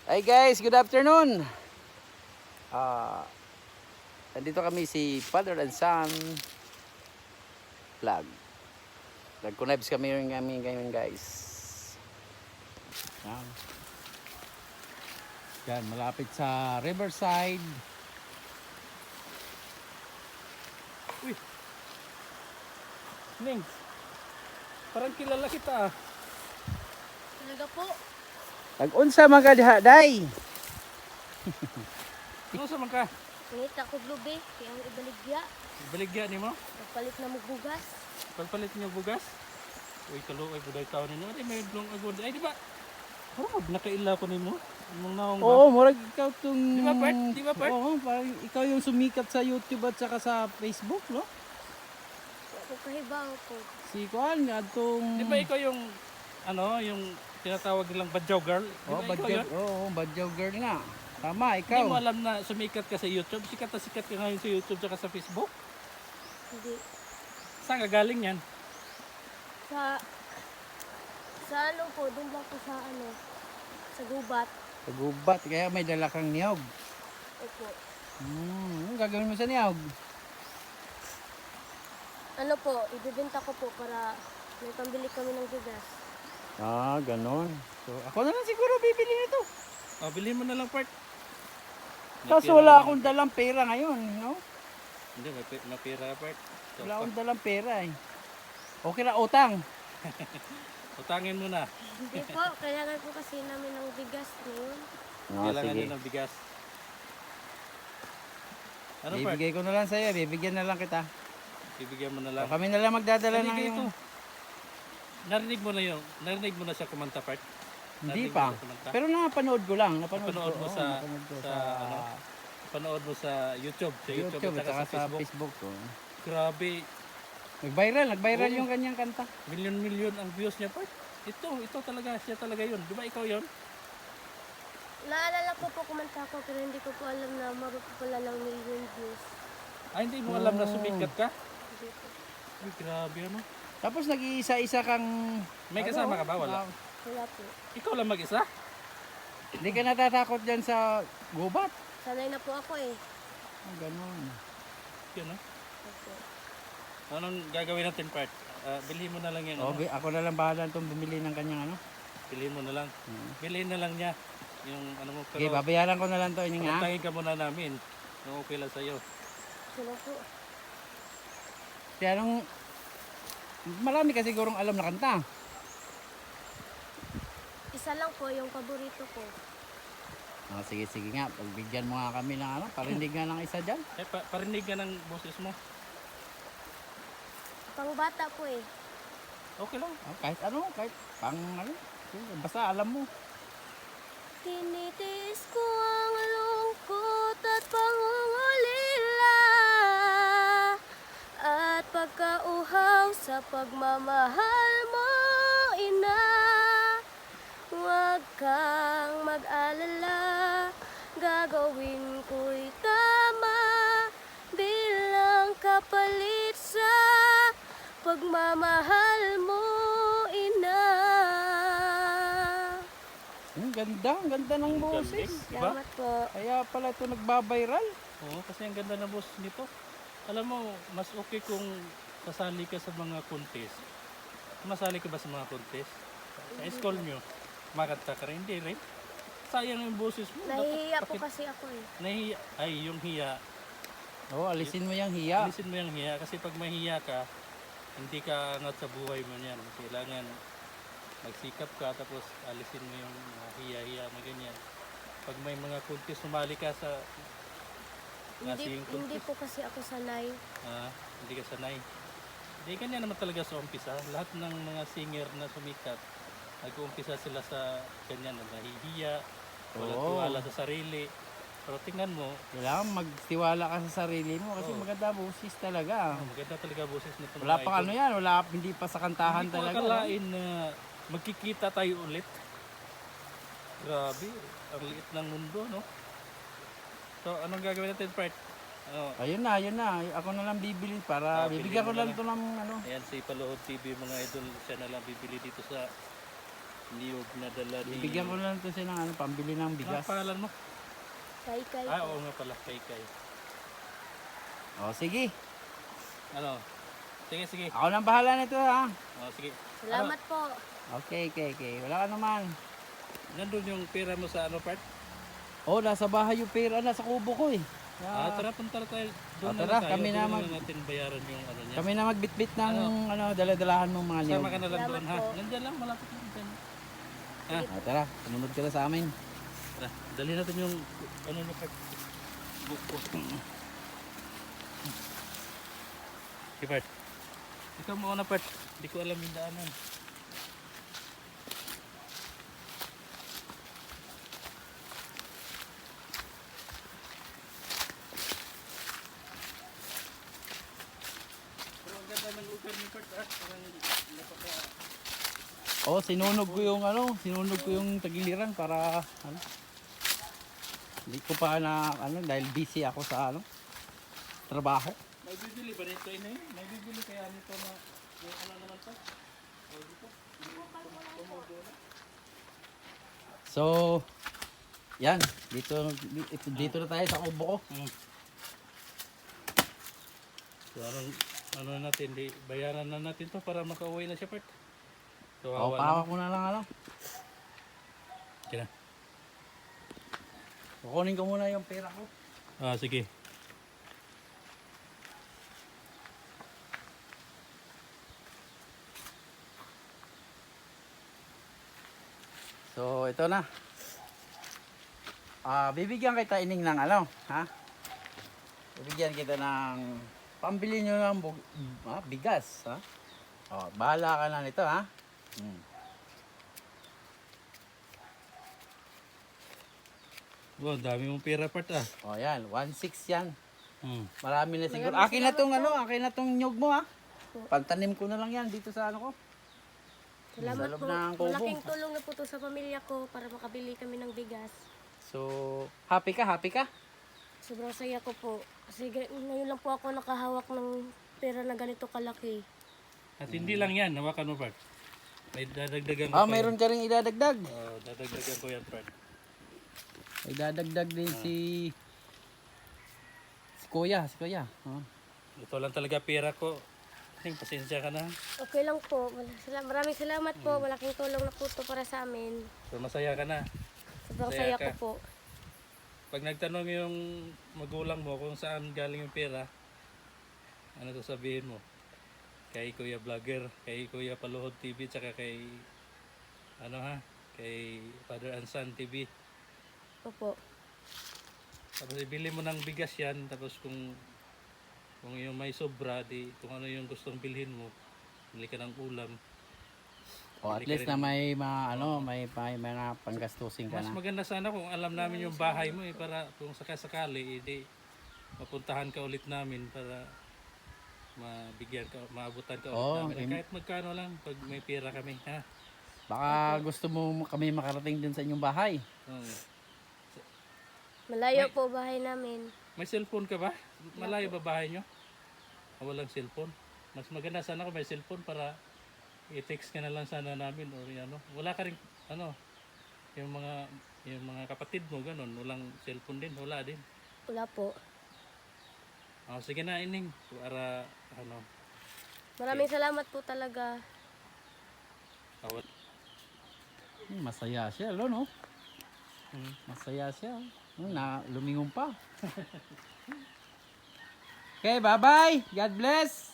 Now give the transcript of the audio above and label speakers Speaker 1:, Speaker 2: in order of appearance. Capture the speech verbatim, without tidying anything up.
Speaker 1: Hi guys, good afternoon. Ah, nandito kami si Father and Son Vlog. Nag-connibes kami rin kami ngayon guys. Yan. Yan, malapit sa Riverside.
Speaker 2: Uy! Nings! Parang kilala kita ah.
Speaker 3: Talaga po.
Speaker 1: Nag-unsa mga diha, day.
Speaker 2: Ano sa man ka?
Speaker 3: Ngita ko blube, kaya ang ibaligya.
Speaker 2: Baligya ni mo?
Speaker 3: Nagpalit na magbugas.
Speaker 2: Pagpalit niyo bugas? Uy, kaluoy buday tao ninyo. Ay, may blong agod. Ay, di ba? Oh, nakaila ko nimo. Mong naong ba?
Speaker 1: Oo, murag ikaw tong...
Speaker 2: Di ba, Bert? Di ba, Bert?
Speaker 1: Oo, parang ikaw yung sumikat sa YouTube at saka sa Facebook, no?
Speaker 3: Ako kahibang po.
Speaker 1: Si Kuan, atong...
Speaker 2: Di ba ikaw yung, ano, yung tinatawag nilang badyaw girl? Di
Speaker 1: Oh,
Speaker 2: ba ikaw
Speaker 1: badyaw,
Speaker 2: yun?
Speaker 1: oo, badyaw girl nga. Tama,
Speaker 2: Hindi
Speaker 1: ikaw.
Speaker 2: mo alam na sumikat ka sa YouTube? Sikat na sikat ka ngayon sa YouTube at sa Facebook?
Speaker 3: Hindi.
Speaker 2: Saan ka galing yan?
Speaker 3: Sa... Sa ano po, doon lang po sa ano, sa gubat.
Speaker 1: Pagubat, kaya may dala kang niyog.
Speaker 3: Opo.
Speaker 1: Hmm, anong gagawin mo sa niyog?
Speaker 3: Ano po, ibibenta ko po para may pambili kami ng bigas.
Speaker 1: Ah, ganon. So, ako na lang siguro bibili nito.
Speaker 2: Oh, bilhin mo na lang part.
Speaker 1: Kaso wala akong dalang pera ngayon, no?
Speaker 2: Hindi, may, pi- may pera part. So,
Speaker 1: Wala akong dalang pera eh. Okay na, utang.
Speaker 2: utangin mo na.
Speaker 3: Hindi po, kailangan po kasi namin ng bigas ngayon.
Speaker 1: Ah,
Speaker 2: Kailangan
Speaker 1: sige.
Speaker 2: din ng bigas. Ano part?
Speaker 1: Bibigay ko na lang sa'yo, bibigyan na lang kita.
Speaker 2: Bibigyan mo na lang.
Speaker 1: O, kami na lang magdadala
Speaker 2: Hindi
Speaker 1: ng
Speaker 2: kayo
Speaker 1: yung...
Speaker 2: to. Narinig mo na yung, narinig mo na siya kumanta part?
Speaker 1: Hindi
Speaker 2: Narinig
Speaker 1: pa.
Speaker 2: mo na kumanta?
Speaker 1: Pero napanood ko lang. Napanood,
Speaker 2: Napanood
Speaker 1: ko,
Speaker 2: mo
Speaker 1: oo,
Speaker 2: sa-
Speaker 1: napanood ko
Speaker 2: sa ano? Panood mo sa YouTube, sa YouTube,
Speaker 1: YouTube,
Speaker 2: at
Speaker 1: at
Speaker 2: saka
Speaker 1: saka
Speaker 2: sa Facebook.
Speaker 1: Facebook ko.
Speaker 2: Grabe,
Speaker 1: Nag-viral, nag-viral
Speaker 2: Oo.
Speaker 1: yung kanyang kanta.
Speaker 2: milyon-milyon ang views niya part. Ito, ito talaga, siya talaga yun. Di ba ikaw yun?
Speaker 3: Naalala ko po kumanta ko pero hindi ko po alam na maro po pala ng million views.
Speaker 2: Ay, hindi mo alam na
Speaker 1: Oo.
Speaker 2: sumikat ka?
Speaker 3: Hindi po.
Speaker 2: Ay, grabe ano.
Speaker 1: Tapos nag-iisa-isa kang...
Speaker 2: May kasama ka ba? Wala.
Speaker 1: ah,
Speaker 3: Wala po.
Speaker 2: Ikaw lang mag-isa?
Speaker 1: Hindi ka natatakot dyan sa gubat.
Speaker 3: Sanay na po ako eh.
Speaker 1: Ah, ganun.
Speaker 2: Yun, no?
Speaker 3: Opo.
Speaker 2: Anong gagawin natin part? Ah, bilhin mo na lang yan.
Speaker 1: O,
Speaker 2: Ano?
Speaker 1: bi- ako na lang bahala itong bumili ng kanyang ano.
Speaker 2: Bilhin mo na lang.
Speaker 1: Hmm.
Speaker 2: Bilhin na lang niya. Yung ano mo.
Speaker 1: Okay,
Speaker 2: Pero
Speaker 1: babayaran ko na lang to inyong ha.
Speaker 2: pantangin ka muna namin. Kung okay lang sa'yo.
Speaker 3: Sila po.
Speaker 1: Kaya nung... Marami kasi sigurong alam na kanta.
Speaker 3: Isa lang po yung paborito ko.
Speaker 1: Ah, sige, sige nga. Pagbigyan mo nga kami ng ano. Parinig nga ng isa dyan.
Speaker 2: Eh, pa parinig ka ng boses mo.
Speaker 3: Pang bata po eh.
Speaker 2: Okay lang.
Speaker 1: Ah, kahit ano, kahit pang ano. Basta alam mo.
Speaker 3: Tinitiis ko ang lungkot at pangungulila at pagkauhaw sa pagmamahal mo, ina. Huwag kang mag-alala, gagawin ko'y tama bilang kapalit sa pagmamahal mo, ina.
Speaker 1: Ang ganda, ang ganda ng boses.
Speaker 2: Diba?
Speaker 3: Salamat po.
Speaker 1: Kaya pala ito nagbabiral.
Speaker 2: Oo, kasi ang ganda ng boses nito. Alam mo, mas okay kung sasali ka sa mga contest. Masali ka ba sa mga contest? Sa school nyo, makanta ka rin. Hindi rin. Sayang yung boses mo. Dapat
Speaker 3: Nahihiya po
Speaker 2: pakit-
Speaker 3: kasi ako eh.
Speaker 2: Nahihiya. Ay, yung hiya.
Speaker 1: Oo, oh, alisin mo yung hiya.
Speaker 2: Alisin mo yung hiya. Kasi pag mahiya ka, hindi ka angat sa buhay mo yan. Kailangan magsikap ka tapos alisin mo yung mga hiya-hiya na ganyan. Pag may mga contest, sumali ka sa
Speaker 3: Hindi,
Speaker 2: nasing
Speaker 3: hindi
Speaker 2: contest.
Speaker 3: po kasi ako sanay.
Speaker 2: Ah, hindi ka sanay. Hindi ganyan naman talaga sa umpisa. Lahat ng mga singer na sumikat, nag-uumpisa sila sa ganyan na nahihiya, walang
Speaker 1: Oo.
Speaker 2: tiwala sa sarili. Pero tingnan mo,
Speaker 1: Kailangan magtiwala ka sa sarili mo kasi
Speaker 2: Oo.
Speaker 1: maganda boses talaga.
Speaker 2: oh, maganda talaga boses nito.
Speaker 1: Wala pang ano yan, wala hindi pa sa kantahan
Speaker 2: Hindi ko
Speaker 1: talaga.
Speaker 2: akalain na magkikita tayo ulit. Grabe, ang liit ng mundo, no? So, anong gagawin natin, Part? Oh,
Speaker 1: Ayun na, ayun na. Ako na lang bibili para
Speaker 2: Ah,
Speaker 1: bibigyan ko
Speaker 2: bili mo
Speaker 1: lang
Speaker 2: na
Speaker 1: to ng ano.
Speaker 2: ayan si Palood T V, mga idol, siya na lang bibili dito sa niyog na dala ni...
Speaker 1: Bibigyan ko na lang to siya ng ano, pambili ng
Speaker 2: Ano
Speaker 1: bigas.
Speaker 2: ang pangalan mo?
Speaker 3: Kay kay
Speaker 2: Ah,
Speaker 3: po.
Speaker 2: oo nga pala, kay kay.
Speaker 1: O, sige.
Speaker 2: Ano? Sige, sige.
Speaker 1: Ako nang bahala nito ha.
Speaker 2: Oh, sige.
Speaker 3: Salamat po.
Speaker 1: Okay, okay, okay. Wala ka naman.
Speaker 2: Nandun yung pera mo sa ano part?
Speaker 1: Oh, nasa bahay yung pera. Nasa kubo ko eh.
Speaker 2: Ah,
Speaker 1: Ah,
Speaker 2: tara, punta na tayo. Doon
Speaker 1: Ah,
Speaker 2: na
Speaker 1: tara,
Speaker 2: lang tayo.
Speaker 1: kami
Speaker 2: Doon
Speaker 1: na
Speaker 2: na
Speaker 1: mag-
Speaker 2: lang natin bayaran yung ano niya.
Speaker 1: kami na magbitbit ng
Speaker 2: Ano?
Speaker 1: ano, daladalahan mong mga niyog.
Speaker 2: Sama ka na lang doon ha.
Speaker 3: Salamat po.
Speaker 2: Nandiyan lang, malapit lang dyan. Ha?
Speaker 1: Ah, tara, sumunod ka na sa amin.
Speaker 2: Tara, dali natin yung ano na part. Buko. Okay, part. Ikaw muna part. Hindi ko alam yung daanan. Pero ang ganda ng lugar ni part ah. Parang napaka...
Speaker 1: Oh, sinunog ko yung ano, sinunog ko yung tagiliran para ano. Hindi ko pa na ano dahil busy ako sa ano trabaho.
Speaker 2: May bibili ba nito ina yun? May bibili kaya nito na yung ano naman to? O dito?
Speaker 1: So, yan, dito dito, dito na tayo sa kubo ko.
Speaker 2: Hmm. So ano, ano natin, di, bayaran na natin to para makauwi na siya part. So
Speaker 1: Oh,
Speaker 2: awa
Speaker 1: pawa ko na lang ano.
Speaker 2: Kaya.
Speaker 1: Kukunin ko muna yung pera ko.
Speaker 2: Ah, sige.
Speaker 1: So, ito na. Ah, bibigyan kita ining ng ano, ha? Bibigyan kita ng pambili nyo ng bug- ah, bigas, ha? Oh, bahala ka na nito, ha? Hmm.
Speaker 2: Wow, dami mong pera part ah.
Speaker 1: Oh, yan, one six yan.
Speaker 2: Hmm.
Speaker 1: Marami na siguro.
Speaker 3: Maraming
Speaker 1: Akin na tong
Speaker 3: salamat
Speaker 1: ano, akin na tong nyog mo, ha?
Speaker 3: Po.
Speaker 1: Pantanim ko na lang yan dito sa ano ko.
Speaker 3: Salamat
Speaker 1: Sa loob
Speaker 3: po.
Speaker 1: ng kubo.
Speaker 3: Malaking tulong na po to sa pamilya ko para makabili kami ng bigas.
Speaker 1: So, happy ka, happy ka?
Speaker 3: Sobrang saya ko po. Kasi ga- ngayon lang po ako nakahawak ng pera na ganito kalaki.
Speaker 2: At hindi lang yan, hawakan mo part. May dadagdagan ko
Speaker 1: Ah,
Speaker 2: pa
Speaker 1: mayroon ka rin idadagdag.
Speaker 2: yan. Oh, dadagdagan ko yan part.
Speaker 1: May dadagdag din si si Kuya, si Kuya. Oh.
Speaker 2: Ito lang talaga pera ko. Ting, pasensya ka na.
Speaker 3: Okay lang po. Mal- sala- Maraming salamat po. Malaking tulong na po to para sa amin.
Speaker 2: So masaya ka na.
Speaker 3: Sobrang
Speaker 2: Saya
Speaker 3: saya
Speaker 2: ka.
Speaker 3: ko po.
Speaker 2: Pag nagtanong yung magulang mo kung saan galing yung pera, ano to sabihin mo? Kay Kuya Vlogger, kay Kuya Paluhod T V, tsaka kay ano ha, kay Father and Son T V.
Speaker 3: Opo.
Speaker 2: Tapos ibili mo ng bigas yan, tapos kung kung yung may sobra, di kung ano yung gustong bilhin mo, bili ka ng ulam.
Speaker 1: Oh, at
Speaker 2: Bili ka
Speaker 1: least
Speaker 2: rin-
Speaker 1: na may mga ano, may, may mga panggastusin ka
Speaker 2: Mas
Speaker 1: na.
Speaker 2: maganda sana kung alam namin yung bahay mo eh, para kung sakasakali, edi mapuntahan ka ulit namin para mabigyan ka, maabutan ka ulit
Speaker 1: Oo,
Speaker 2: namin.
Speaker 1: im-
Speaker 2: Kahit magkano lang, pag may pera kami, ha?
Speaker 1: Baka gusto mo kami makarating din sa inyong bahay.
Speaker 2: Oo.
Speaker 3: Malayo po bahay namin.
Speaker 2: May cellphone ka ba? Malayo ba bahay nyo? O walang cellphone? Mas maganda sana kung may cellphone para i-text ka na lang sana namin or ano. Wala ka rin, ano, yung mga yung mga kapatid mo, ganun, walang cellphone din, wala din.
Speaker 3: Wala po.
Speaker 2: Oh, sige na, ining, para, ano,
Speaker 3: Maraming salamat po talaga.
Speaker 2: awat.
Speaker 1: Hmm, masaya siya, lo, no?
Speaker 2: Hmm.
Speaker 1: Masaya siya. Hmm, na lumingon pa. Okay, bye-bye. God bless.